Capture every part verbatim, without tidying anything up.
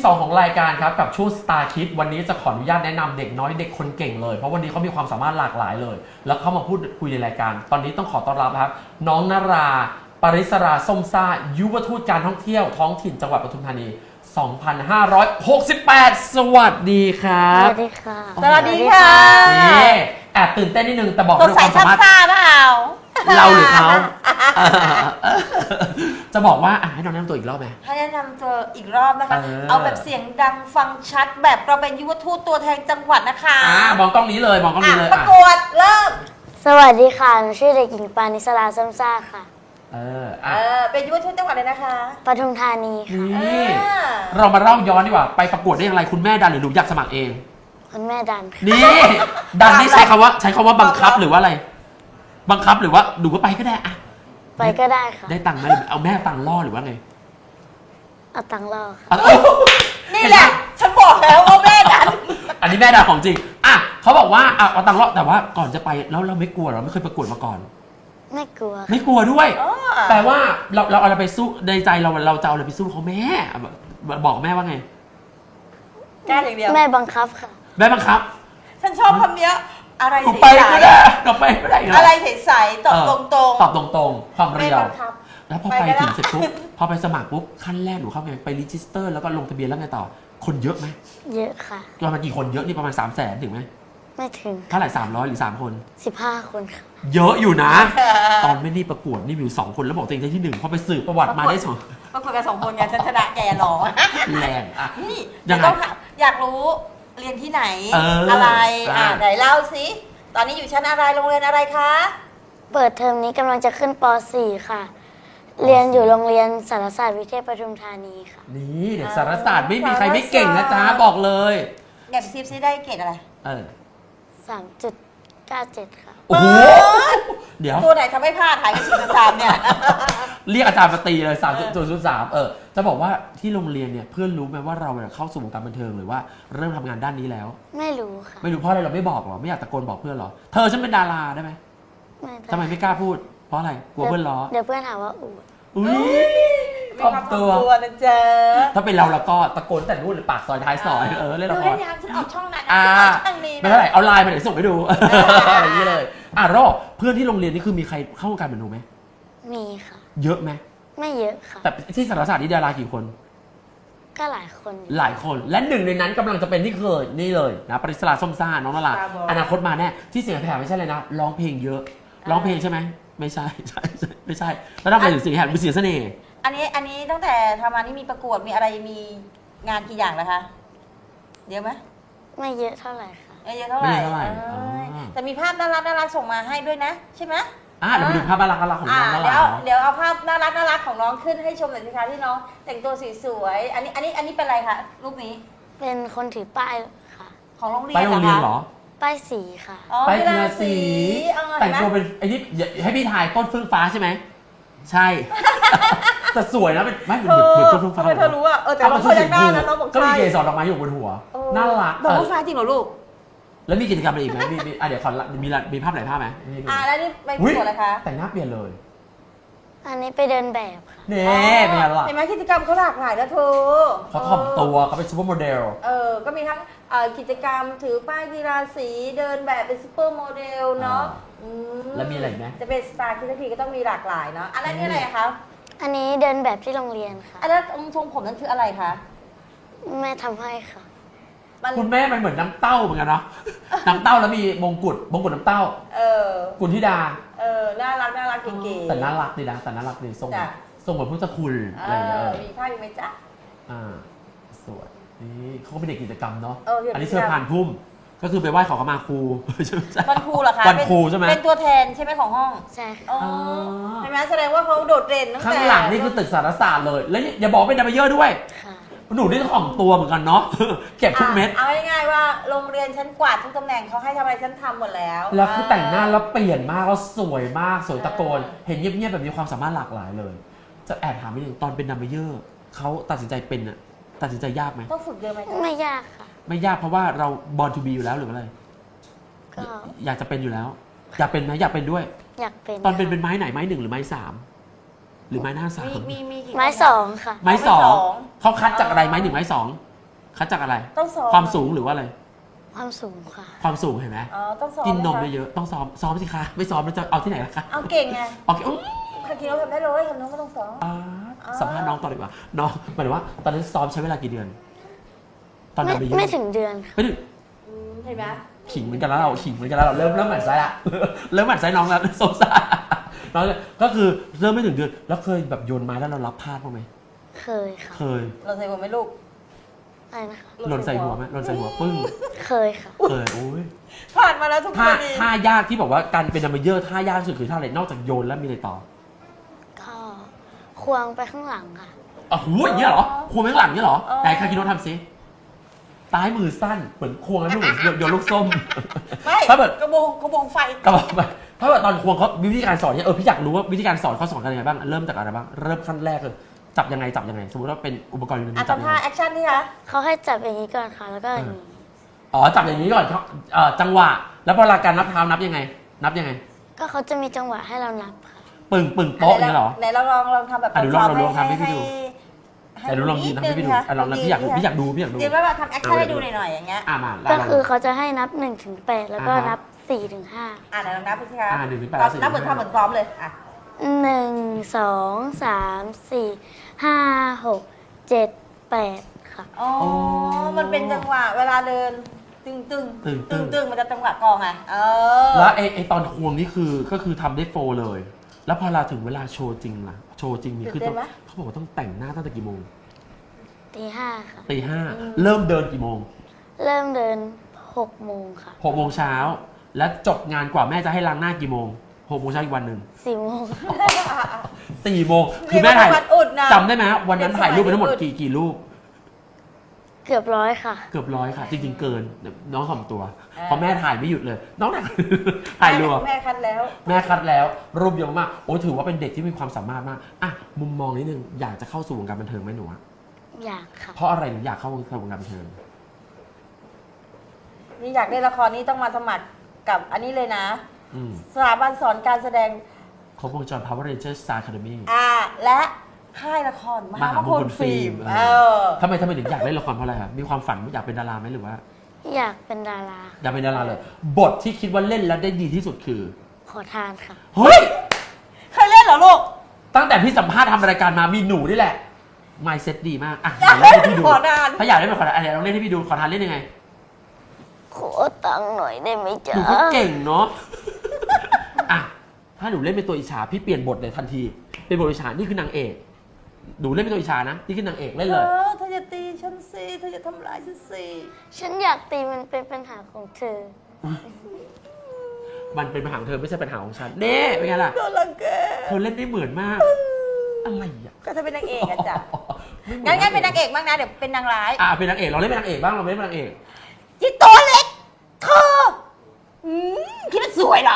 สองของรายการครับกับช่วง Star Kids วันนี้จะขออนุญาตแนะนำเด็กน้อยเด็กคนเก่งเลยเพราะวันนี้เขามีความสามารถหลากหลายเลย แล้วเข้ามาพูดคุยในรายการ ตอนนี้ต้องขอต้อนรับครับน้องนาราปริศราส้มซ่ายุวทูตการท่องเที่ยวท้องถิ่นจังหวัดปทุมธานี สองพันห้าร้อยหกสิบแปด สวัสดีครับสวัสดีค่ะสวัสดีค่ะนี่แอบตื่นเต้นนิดนึงแต่บอกตัวด้วยคใส่วามซัสาบมารถซ่าเปล่าเราหรือเขา จะบอกว่าอ่ะให้น้องแนะนำตัวอีกรอบไหมให้แนะนำตัวอีกรอบนะคะเออเอาแบบเสียงดังฟังชัดแบบเราเป็นยุวทูตตัวแทนจังหวัดนะคะอ่ามองกล้องนี้เลยมองกล้องนี้เลยประอ่ะกวดเริ่มสวัสดีค่ะหนูชื่อเด็กหญิงปานิสราส้มซ่าค่ะเออเออ่ะอเป็นยุวทูตจังหวัดเลยนะคะปทุมธานีค่ะนี่อ่าเรามาเล่าย้อนดีกว่าไปประกวดได้อย่างไรคุณแม่ดันหรือหนูอยากสมัครเองคุณแม่ดันค่ะนี่ ดันนี่ใช้คำว่าใช้คำว่าบังคับหรือว่าอะไร บังคับหรือว่าหนูก็ไปก็ได้อะไปก็ได้ค่ะได้ตังค์ไหมเอาแม่ตังค์ล่อหรือว่าไงเอาตังค์ล่อค่ะเอานี่แหละ ฉันบอกแล้วว่าแม่ดันอันนี้แม่ดันของจริงอ่ะเขาบอกว่าเอาเอาตังค์ล่อแต่ว่าก่อนจะไปแล้วเราไม่กลัวเหรอไม่เคยประกวดมาก่อนไม่กลัวไม่กลัวด้วยอ๋อแปลว่าเราเราเอาอะไรไปสู้ในใจเราเราจะเอาอะไรไปสู้เขาแม่บอกแม่ว่าไงกล้าอย่างเดียวแม่บังคับค่ะแม่บังคับฉันชอบคำเนี้ยอะไรก็ใสไปก็ได้ก็ไปก็ได้ๆอะไรใสๆตอบตรงตอบตรงๆ ความๆเรียวแม่บังคับแล้วพอไปไปก็ได้ถึงเสร็จปุ๊บ พอไปสมัครปุ๊บ ขั้นแรกหนูเข้าไง ไปรีจิสเตอร์แล้วก็ลงทะเบียนแล้วไงต่อ คนเยอะไหมเยอะค่ะประมาณกี่คนเยอะนี่ประมาณ สามแสนถึงไหมไม่ถึงเท่าไหร่สามร้อยหรือ สาม คนสิบห้าคนค่ะเยอะอยู่นะ ตอนไม่นี่ประกวดนี่มีอยู่สองคนแล้วบอกตัวเองได้ที่หนึ่งพอไปสืบประวัติมาได้สองประกวดกันสองคนไงฉันชนะแกหรอแรงอ่ะนี่ยังไงต้องถามอยากรู้เรียนที่ไหนเออออะไรอ่ะอ่ะไหนเล่าสิตอนนี้อยู่ชั้นอะไรโรงเรียนอะไรคะเปิดเทอมนี้กำลังจะขึ้นป .สี่ ค่ะ เรียนอยู่โรงเรียนสารศาสตร์วิเทศปทุมธานีค่ะนี่เด็กสารศาสตร์ไม่มีใครไม่เก่งนะจ๊ะบอกเลยแอบซิปซิได้เกรดอะไรเออสามจุดเก้าเจ็ด ค่ะโอ้โห เดี๋ยวตัวไหนทำให้พลาดถ่ายกับสี่สามเนี่ยเรียกอาจารย์มาตีเลยสามจุดศูนย์สามเออ จะบอกว่าที่โรงเรียนเนี่ยเพื่อนรู้ไหมว่าเราเนี่ยเข้าสู่วงการบันเทิงหรือว่าเริ่มทำงานด้านนี้แล้วไม่รู้ค่ะไม่รู้เพราะอะไรเราไม่บอกหรอไม่อยากตะโกนบอกเพื่อนหรอ เธอฉันเป็นดาราได้ไหมไม่ได้ทำไมไม่กล้าพูด เพราะอะไรกลัวเพื่อนล้อเดี๋ยวเพื่อนหาว่าอวดอุ้ยมีถ่อคมวามตัวตัวนะจ๊ะถ้าเป็นเราเราก็ตะโกนแต่นู่นหรือปากซอยท้ายซอยเออเล่นดูละคให้รยังฉันออกช่องนั้นนะอ่าฉันออกช่องนี้ไม่นะเท่าไหร่เอาไลน์มาเดี๋ยวส่งให้ดูอะไรอย่างนี้เลยอ่ะรอเพื่อนที่โรงเรียนนี่คือมีใครเข้าวงการเหมือนหนูไหมมีค่ะเยอะไหมไม่เยอะค่ะแต่ที่สารศาสตร์นี่ดารากี่คนก็หลายคนอยู่หลายคนและหนึ่งในนั้นกำลังจะเป็นที่เคยนี่เลยนะปริศราส้มซ่าน้องนาราอนาคตมาแน่ที่เสียงแผ่ไม่ใช่เลยนะร้องเพลงเยอะร้องเพลงใช่ไหมไม่ใช่ใช่ใช่ไม่ใช่แล้วทำไมถึงเสียงแหบเป็นเสียงเสน่ห์อันนี้อันนี้ตั้งแต่ทำมานี่มีประกวดมีอะไรมีงานกี่อย่างแล้วคะเยอะไหมไม่เยอะเท่าไหร่ค่ะเยอะเท่าไหร่ไม่เท่าไหร่เอ้ยอ๋อแต่มีภาพน่ารักน่ารักส่งมาให้ด้วยนะ ใช่ไหมอ่ะเดี๋ยวไปดูภาพน่ารักน่ารักของอ่าน้องนาเดี๋ยราวเดี๋ยวเอาภาพน่ารักน่ารักของน้องขึ้นให้ชมหน่อยสิคะที่น้องแต่งตัวสวยๆอันนี้อันนี้อันนี้เป็นอะไรคะรูปนี้เป็นคนถือป้ายค่ะของโรงเรียนไปโรงเรียนเหรอป้ายสีค่ะอ๋อไปกีกีฬาฬาสีสีเออแต่งเห็นไหมตัวเป็นไอ้นี่อย่าให้พี่ถ่ายต้นฟื้นฟ้าใช่ไหมใช่ แต่สวยนะเป็นไม่เหมือนเธอเหมือนต้นฟื้นฟ้าทำไมเธอรู้อ่ะเออแต่เอาเรามาเคยได้นะน้องบอกก็มีใช่เกสรดอกไม้อยู่บนหัวเออน่ารักดอกเออผู้ฟ้าจริงเหรอลูกแล้วมีกิจกรรมอะไรอีกไหมมีมีอ่ะเดี๋ยวขอละมีละมีภาพไหนภาพไหมให้ดูอ่าแล้วนี่ไปประอุ๊ยกวดอะไรคะแต่งหน้าเปลี่ยนเลยอันนี้ไปเดินแบบค่ะเน่เป็นไงล่ะเห็นไหมกิจกรรมเขาหลากหลายนะเธอเขาถ่อมตัวเขาเป็นซูเปอร์โมเดลเออก็มีทั้งเอ่อกิจกรรมถือป้ายกีฬาสีเดินแบบเป็นซูเปอร์โมเดลเนาะอ่าอืแล้วมีอะไรอีกไหมจะเป็นสตาร์คิดทีก็ต้องมีหลากหลายเนาะอันนั้นนี่อะไรคะอันนี้เดินแบบที่โรงเรียนค่ะอันนั้นทรงผมนั่นคืออะไรคะแม่ทำให้ค่ะมันคุณแม่มันเหมือนน้ำเต้าเหมือนกันเนาะ น้ำเต้าแล้วมีมงกุฎมงกุฎน้ำเต้าเออกุณธิดาเออน่ารักน่ารักเก๋ๆแต่น่ารักดีนะแต่น่ารักดีทรงจ้ะทรงเหมือนพุทธคุณเออะไรอย่างเงี้ยอเออมีภาพอีกไหมจ๊ะอ่าสวยนี่เขาก็เป็นเด็กกิจกรรมเนาะเออเด็กกิจกรรมอันนี้เชิญผ่านพุ่มก็คือไปไหว้ขอขมาครู ใช่ไหมวันครูเหรอคะวันครูใช่ไหมเป็นตัวแทนใช่ไหมของห้องใช่ค่ะอ๋ออ๋อใช่ไหมแสดงว่าเขาโดดเด่นตั้งแต่ข้างหลังนี่คือตึกสารศาสตร์เลย แล้วอย่าบอกเป็นดัมเบลเยอร์ด้วยค่ะหนูนี่ถ่อมตัวเหมือนกันเนาะ เก็บทุกเม็ดอ่ะเอาง่ายๆว่าโรงเรียนฉันกวาดทุกตำแหน่งเขาให้ทำอะไรฉันทำหมดแล้วแล้วคือแต่งหน้าแล้วเปลี่ยนมากแล้วสวยมากสวยตะโกนเออเห็นเงียบๆแบบมีความสามารถหลากหลายเลย จะแอบถามนิดนึงตอนเป็นดัมเบลเยอร์เขาตัดสินใจเป็นอะตัดสินใจยากไหมต้องฝึกเยอะไหมคะไม่ยากค่ะไม่ยากเพราะว่าเราบอลทูบีอยู่แล้วหรืออะไรก็อยากจะเป็นอยู่แล้ว อยากเป็นไหมอยากเป็นด้วยอยากเป็นตอนเป็นค่ะเป็นไม้ไหนไม้หนึ่งหรือไม้สามหรือไม้หน้าสามมีมีมีกี่ไม้คนนะสองค่ะไม้สองไม้สองเขาคัดจากอะไรไม้หนึ่งไม้สองคัดจากอะไรต้องซ้อมความสูงหรือว่าอะไรความสูงค่ะความสูงเห็นไหมอ๋อต้องซ้อมกินนมไหคะเยอะๆต้องซ้อมซ้อมสิคะไม่ซ้อมแล้วจะเอาที่ไหนล่ะคะเอาเก่งไงโอเคอุ๊ยคาคิโนะทำได้เลยทำน้องก็ต้องซ้อมอ่าอ่าสัมภาษณ์น้องต่อดีกว่าน้องหมายถึงว่าตอนนั้นซ้อมใช้เวลากี่เดือน ตอนไม่นั้นไปเยอะไม่ถึงเดือนค่ะไม่ถึงอืมเห็นไหมขิงเหมือนกันแล้วเราขิงเหมือนกันแล้วเราเริ่มเริ่มหมั่นไส้ละ เริ่มหมั่นไส้น้องแล้วสงสารน้องก็คือเริ่มไม่ถึงเดือนแล้วเคยแบบโยนไม้แล้วเรารับพลาดบ้างไหมเคยค่ะเคยเราใส่หัวไหมลูกอะไรนะคะหล่นใส่หัวไหมหล่นใส่หัวปึ้งเคยค่ะเคยโอ้ยผ่านมาแล้วทุกคท่านดีท่ายากที่บอกว่าการเป็นดัมเบลเยอร์ท่ายากที่สุดคือท่าอะไรนอกจากโยนแล้วมีอะไรต่อก็ควงไปข้างหลังค่ะอ๋อโหอย่างเงี้ยเหรอควงไปข้างหลังเงี้ยเหรอไหนคาคิโนะทำซิตายมือสั้นเหมือนควงแล้วเหมือนโยนลูกส้มไม่ถ้าแบบกระบงกระบงไฟก็บอกไปถ้าแบบตอนควงเขาวิธีการสอนเนี่ยเออพี่อยากรู้ว่าวิธีการสอนเขาสอนกันยังไงบ้างเริ่มจากอะไรบ้างเริ่มขั้นแรกเลยจับยังไงจับยังไงสมมติว่าเป็นอุปกรณ์อยู่ในมือ่ะอจับยังทำท่าไงแอคชั่นนี่คะเขาให้จับอย่างนี้ก่อนค่ะ แล้วก็อย่างนี้อ๋อจับอย่างนี้ก่อนเขาเอ่อจังหวะ แล้วพอเวลาการนับเท้านับยังไง นับยังไงก็เขาจะมีจังหวะให้เรานับค่ะปึ่งปึ่งโป๊ะอย่างเงี้ยเหรอไหนเราลองลองทำแบบอ่ะเดี๋ยวลองลองทำให้พี่ดูให้แต่ดูลองยินนะให้พี่ดูนิดนึงอ่ะลองนะพี่อยากดูพี่อยากดูพี่อยากดูเดี๋ยวว่าทำแอคชั่นให้ดูหน่อยๆอย่างเงี้ยอ่ะมาก็ลองคือเขาจะให้นับหนึ่งถึงแปดแล้วก็อ่าฮะนับสี่ถึงห้าอ่ะไหนลองนับดูสิคะอ่ะหนึ่งถึงแปดตอนสี่นับเหมือนถึงห้าทำเหมือนซ้อมเลยอ่ะหนึ่งสองสามสี่ห้าหกเจ็ดแปดค่ะอ๋อ มันเป็นจังหวะเวลาเดิน ตึงตึงตึงตึตึงงตึงมันจะจังหวะกองไงเออแล้วไอไอตอนควงนี่คือก็คือทำได้โฟร์เลย แล้วพอเราถึงเวลาโชว์จริงล่ะโชว์จริงนี่คือต้องเขาบอกว่าต้องแต่งหน้าตั้งแต่กี่โมงตีห้าค่ะตีห้าเริ่มเดินกี่โมงเริ่มเดินหกโมงค่ะหกโมงเช้าแล้วจบงานกว่าแม่จะให้ล้างหน้ากี่โมงหกโมงเช้าอีกวันหนึ่งสี่โมงค่ะสี่โมงคือแม่ถ่ายเรียกว่าวันอุดนะจำได้ไหมวันนั้นถ่ายรูปไปทั้งหมดกี่กี่รูปเกือบร้อยค่ะเกือบร้อยค่ะ จริงๆเกินน้องถ่อมตัวอ่าเพราะแม่ถ่ายไม่หยุดเลย น้องถ่าย ถ่ายรัวแม่คัดแล้วแม่คัดแล้วรูปเยอะมากโอ้ถือว่าเป็นเด็กที่มีความสามารถมากอ่ะมุมมองนิดนึงอยากจะเข้าสู่วงการบันเทิงไหมหนูอะอยากค่ะเพราะอะไรหนูอยากเข้าวงการบันเทิงนี่อยากได้ละครนี้ต้องมาสมัครกับอันนี้เลยนะอืมสถาบันสอนการแสดงครบวงจร Power Rangers Star Academy อ่า และค่ายละครมหามหามงงคคลลฟิฟิล์ล์มมเอเออทำไมทำไมถึงอยากเล่นละครเพราะอะไรครับมีความฝันอยากเป็นดาราไหมหรือว่าอยากเป็นดาราอยากเป็นดาราเลย บทที่คิดว่าเล่นแล้วได้ดีที่สุดคือขอทานค่ะเฮ้ยเคยเล่นเหรอลูกตั้งแต่พี่สัมภาษณ์ทำรายการมามีหนูนี่แหละ mindset ดีมากอ่ะเดี๋ยวเล่นให้พี่ดูขอนานถ้าอยากเล่นเป็นขอทานอ่ะเดี๋ยวลองเล่นให้พี่ดูขอทานเล่นยังไงขอตังค์หน่อยได้ไหมหจ๊ะนูก็เก่งเนาะ อ่ะ ถ้าหนูเล่นเป็นตัวอิจฉาพี่เปลี่ยนบทเลยทันที เป็นบทอิจฉานี่คือนางเอก หนูเล่นเป็นตัวอิจฉานะ นี่คือนางเอกเล่นเอเลยอเธอจะตีฉันสิเธอจะทำร้ายฉันสิฉันอยากตีมันเป็นปัญหาของเธอมันเป็นปัญหาของเธอไม่ใช่ปัญหาของฉันเน่เป็นไงล่ะโดนรังแกเธอเล่นได้เหมือนมาก อะไรอ่ะก็เธอเป็นนางเอกอะจ้ะไม่หมืองั้นงั้นเป็นนางเอกบ้างนะเดี๋ยวเป็นนางร้ายอ่ะเป็นนางเอกเราเล่นเป็นนางเอกบ้างเราเล่นเป็นนางเอกจิตตัวเล็กเธออืมคิดว่าสวยเหรอ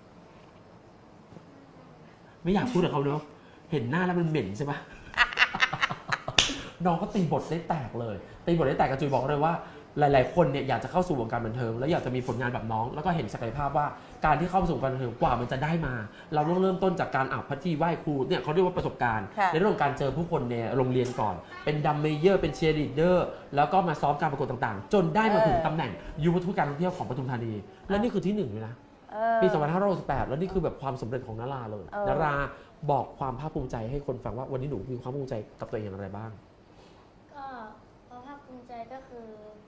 ไม่อยากพูดกับเขาเนาะ เห็นหน้าแล้วมันเหม็นใช่ปะ น้องก็ตีบทได้แตกเลย ตีบทได้แตกกระจุยบอกเลยว่า หลาย ๆ คนเนี่ยอยากจะเข้าสู่วงการบันเทิงแล้วอยากจะมีผลงานแบบน้อง แล้วก็เห็นศักยภาพว่าการที่เข้าสู่วงการบันเทิงกว่ามันจะได้มา เราต้องเริ่มต้นจากการอ่านพัฒนีไหว้ครูเนี่ยเขาเรียกว่าประสบการณ์ค่ะในเรื่องของการเจอผู้คนในโรงเรียนก่อน เป็นดัมเมเยอร์เป็นเชียร์ลีดเดอร์แล้วก็มาซ้อมการประกวดต่าง ๆ จนได้มาถึงตำแหน่งยุวทูตการท่องเที่ยวของปทุมธานี และนี่คือที่หนึ่งเลยนะเออปี สองพันห้าร้อยหกสิบแปด แล้วนี่คือแบบความสำเร็จของนาราเลยเออนาราบอกความภาคภูมิใจให้คนฟังว่าวันนี้หนูมีความภูมิใจกับตัวเองอย่างไรบ้างก็ความภาคภูมิใจก็คือ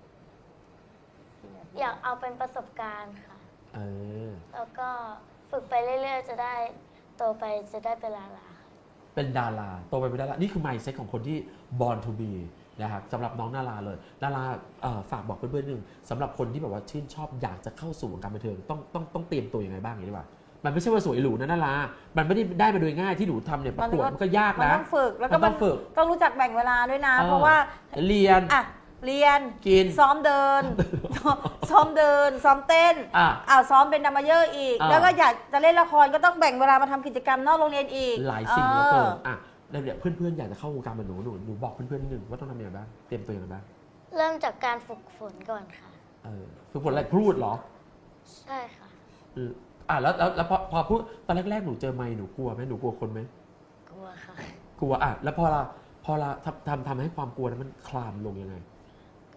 อยากเอาเป็นประสบการณ์ค่ะเออแล้วก็ฝึกไปเรื่อยๆ จะได้โตไปจะได้เป็นดาราค่ะเป็นดาราโตไปเป็นดารา นี่คือ mindset ของคนที่ born to be นะครับสำหรับน้องนาราเลยนาราเอ่อฝากบอกเพื่อนๆหนึ่งสำหรับคนที่แบบว่าชื่นชอบอยากจะเข้าสู่วงการบันเทิงต้องต้องต้องเตรียมตัวยังไงบ้างอย่างนี้ดีกว่ามันไม่ใช่ว่าสวยหรูนะนารามันไม่ได้ได้มาโดยง่ายที่หนูทำเนี่ยประกวดมันก็ยากมันนะต้องฝึกแล้วมัก็นต้องฝึกต้องรู้จักแบ่งเวลาด้วยนะเออเพราะว่าเรียนอ่ะเรียนกินซ้อมเดิ น ซ้อมเดิน ซ้อมเต้นอ่ะอ้าวซ้อมเป็นดัมเมเยอร์อีกอ่าแล้วก็อยากจะเล่นละครก็ต้องแบ่งเวลามาทำกิจกรรมนอกโรงเรียนอีกหลายสิ่งเหลือเกินอออ่ะแล้วเนี่ยเพื่อนๆอยากจะเข้าวงการเหมือนหนูหนูหนูบอกเพื่อนๆนิดนึงว่าต้องทำยังไงบ้างเตรียมตัวยังไงบ้างเริ่มจากการฝึกฝนก่อนค่ะเออฝึกฝนอะไรพูดเหรอใช่ค่ะอืมอ่ะแล้วแล้วแล้วพอพอพูดตอนแรกๆหนูเจอไมค์หนูกลัวไหมหนูกลัวคนไหมกลัวค่ะกลัวอ่ะแล้วพอเราพอเราทำทำทำให้ความกลัวนั้นมันคลามลงยังไงก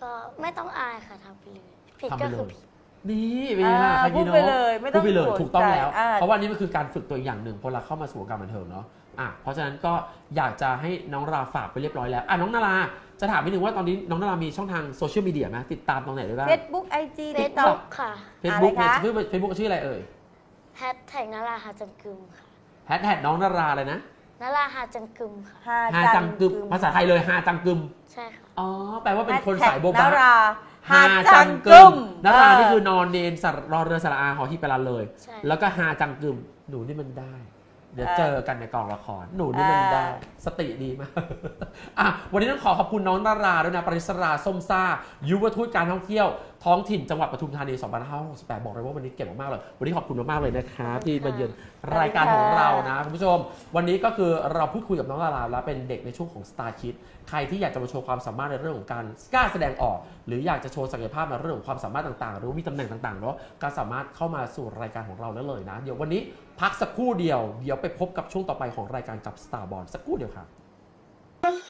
ก็ไม่ต้องอายค่ะทำไปเลยผิดทำไปก็เลคือย ผิดนี่เป็นไงล่ะอ่าใครยีพูดเนาะไปเลยไม่ต้องพูดไปเลยห่วงถูกต้องแล้วใจอ่าเพราะว่านี่มันคือการฝึกตัวอย่างหนึ่งพอเราเข้ามาสู่วงการบันเทิงเนาะอ่ะเพราะฉะนั้นก็อยากจะให้น้องราฝากไปเรียบร้อยแล้วอ่ะน้องนาราจะถามนิดนึงว่าตอนนี้น้องนารามีช่องทางโซเชียลมีเดียไหมติดตามตรงไหนได้บ้างเฟซบุ๊กไอจีเฟติ๊ซกต็อบุ๊กกค่ะเฟซบุ๊กอะไรคะชื่อเฟซบุ๊กชื่ออะไรเอ่ยแฮชแท็กนาราหาจังกึมค่ะแฮชแท็กน้องนาราเลยนะนาราหาจังกึมค่ะฮาจังกึมภาษาไทยเลยฮาจังกึมใช่ค่ะอ๋อแปลว่าเป็นคนแฮชแท็กสายโบบะนาราฮาฮาจัจังงกึกึมมนาราเออนี่คือนอนเนนสระรอเรือสระอาหอที่ไปรันเลยใช่แล้วก็ฮาจังกึมหนูนี่มันได้ เดี๋ยวเจอกันในกองละครหนูนี่มันได้ สติดีมาก อ่ะวันนี้ต้องขอขอบคุณน้องนาราด้วยนะปริศราส้มซ่ายุวทูตการท่องเที่ยวท้องถิ่นจังหวัดปทุมธานี สองพันห้าร้อยหกสิบแปด บอกเลยว่าวันนี้เก่งมากๆเลย วันนี้ขอบคุณมากๆเลยนะครับที่มาเยือนรายการของเรานะคุณผู้ชม วันนี้ก็คือเราพูดคุยกับน้องนาราแล้วเป็นเด็กในช่วงของ Star Kids ใครที่อยากจะมาโชว์ความสามารถในเรื่องของการกล้าแสดงออก หรืออยากจะโชว์ศักยภาพในเรื่องของความสามารถต่างๆ หรือว่ามีตำแหน่งต่างๆเนาะก็สามารถเข้ามาสู่รายการของเราได้เลยนะ เดี๋ยววันนี้พักสักครู่เดียวเดี๋ยวไปพบกับช่วงต่อไปของรายการกับ Star Ball สักครู่เดียวครับ